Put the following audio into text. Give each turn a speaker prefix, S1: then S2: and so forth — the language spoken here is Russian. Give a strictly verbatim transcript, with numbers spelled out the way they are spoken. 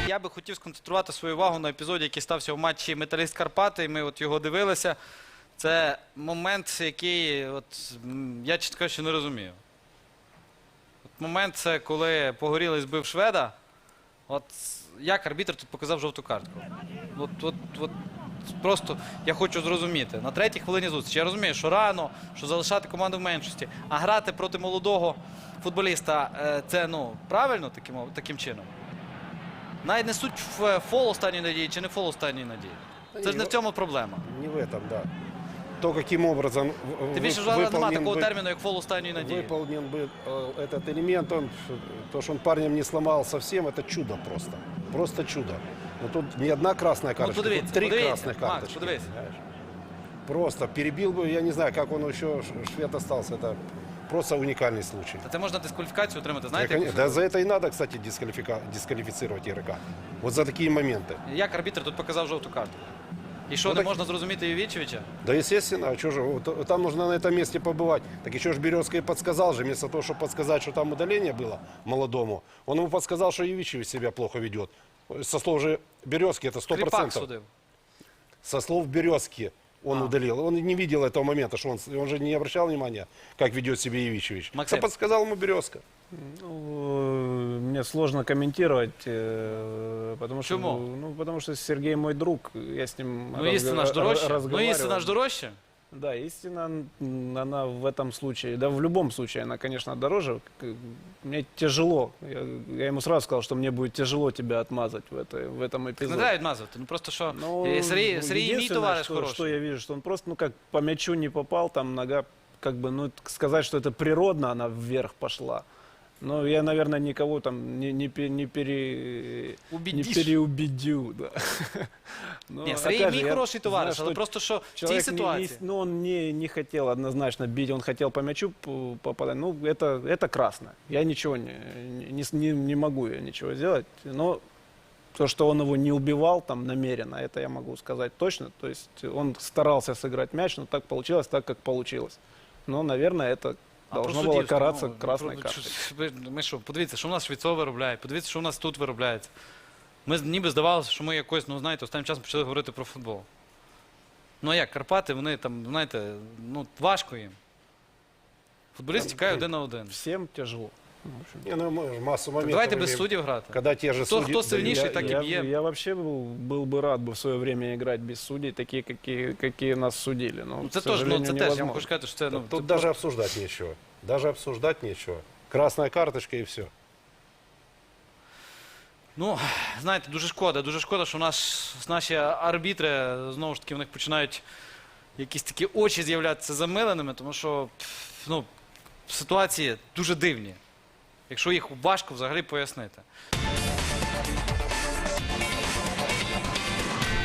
S1: Я би хотів сконцентрувати свою увагу на епізоді, який стався в матчі Металіст Карпати. Ми от його дивилися. Це момент, який от, я, чесно кажучи, не розумію. От момент, це коли Погорілий збив шведа. От як арбітр тут показав жовту картку? От, от, от, просто я хочу зрозуміти. На третій хвилині зустрічі. Я розумію, що рано, що залишати команду в меншості. А грати проти молодого футболіста – це, ну, правильно таким, таким чином? Навіть не суть в фол останньої надії чи не фол останньої надії. Це ж не в цьому проблема.
S2: Не в этом, да. То, каким образом
S1: Тим більше вже немає такого терміну, як фол останньої надії.
S2: Выполнен бы этот элемент, он, то, что он парнем не сломал совсем, это чудо просто. Просто чудо. Но тут не одна красная карточка,
S1: ну,
S2: тут три
S1: подивіться,
S2: красных
S1: Макс,
S2: карточки.
S1: подивіться.
S2: Просто перебил бы, я не знаю, как он еще, швед остался, это просто уникальный случай.
S1: Та це можна дискваліфікацію отримати, знаєте?
S2: Да,
S1: як-
S2: да за это и надо, кстати, дисквалифика... дисквалифицировать игрока. Вот за такие моменты.
S1: Як арбітр тут показав жовту карту? І що,
S2: Ну,
S1: не
S2: так-
S1: можна зрозуміти Євічевича?
S2: Да, естественно, а что же, вот, там нужно на этом месте побывать. Так еще ж Березка и подсказал же, вместо того, чтобы подсказать, что там удаление было молодому, он ему подсказал, что Евичевич себя плохо ведет. Со слов же Березки это сто
S1: Кріпак
S2: процентов.
S1: судив.
S2: Со слов Березки он
S1: А.
S2: удалил. Он не видел этого момента, что он, он же не обращал внимания, как ведет себя Евичевич.
S1: Максим.
S2: Это подсказал ему Березка.
S3: Ну, мне сложно комментировать, э, потому что,
S1: Почему?
S3: ну, потому что Сергей мой друг, я с ним
S1: Ну,
S3: разго-
S1: істина ж дорожче. Ну,
S3: разговаривал.
S1: істина ж дорожче.
S3: Да, истина, м, она в этом случае, да, в любом случае, она, конечно, дороже. К- Мне тяжело. Я, я ему сразу сказал, что мне будет тяжело тебя отмазать в, этой, в этом
S1: Не
S3: эпизоде.
S1: треба відмазувати. Ну просто що
S3: Ну,
S1: е, Сергій,
S3: ну,
S1: Сергій мій
S3: единственное,
S1: товариш
S3: что,
S1: хороший.
S3: что я вижу, что он просто, ну как, по мячу не попал, там нога, как бы, ну, сказать, что это природно, она вверх пошла. Но я, наверное, никого там не, не, пе- не, пере, не
S1: Убедиш.
S3: переубедю. Да. Но,
S1: Ні, Сергій
S3: опять
S1: мій
S3: же, я
S1: хороший товариш,
S3: знаю,
S1: але
S3: что
S1: просто що в цій
S3: человек не- не-
S1: ситуації.
S3: ну, он не, не хотел однозначно бить, он хотел по мячу п- попадать. Ну, это, это красно. Я ничего не, не, не, не могу я ничего сделать. Но то, что он его не убивал там намеренно, это я могу сказать точно. То есть он старался сыграть мяч, но так получилось, так как получилось. Но, наверное, это
S1: А
S3: должно
S1: про
S3: було
S1: суддівство,
S3: каратися
S1: ну,
S3: красною
S1: про-
S3: карткою.
S1: що- ви- Ми що, подивіться, що в нас Швецов виробляє, подивіться, що в нас тут виробляється. Ми з- ніби здавалося, що ми якось, ну знаєте, останнім часом почали говорити про футбол. Ну а як, Карпати, вони там, знаєте, ну важко їм. Футболіст тікає один на один.
S3: Всем тяжело. Ну, в общем.
S2: Не, ну, мы массу моментов
S1: Давайте без
S2: имеем,
S1: суддів грати.
S2: когда те же
S1: Кто-
S2: судьи...
S1: кто сильнейший,
S2: дают-
S1: так и
S3: я,
S1: бьем.
S3: я вообще был, был бы рад бы в свое время играть без судей, такие, какие, какие нас судили. Но,
S1: Ну,
S3: к
S1: це теж, ну,
S3: сожалению,
S1: це теж, я вам
S3: невозможно.
S1: хочу сказати, що це, ну,
S2: Тут
S1: це
S2: даже обсуждать нечего. Даже обсуждать нечего. Красная карточка и все.
S1: Ну, знаєте, дуже шкода, дуже шкода, що наш, наші арбітри, знову ж таки, в них починають якісь такі очі з'являтися замиленими, тому що пф, ну, ситуації дуже дивні, якщо їх важко взагалі пояснити.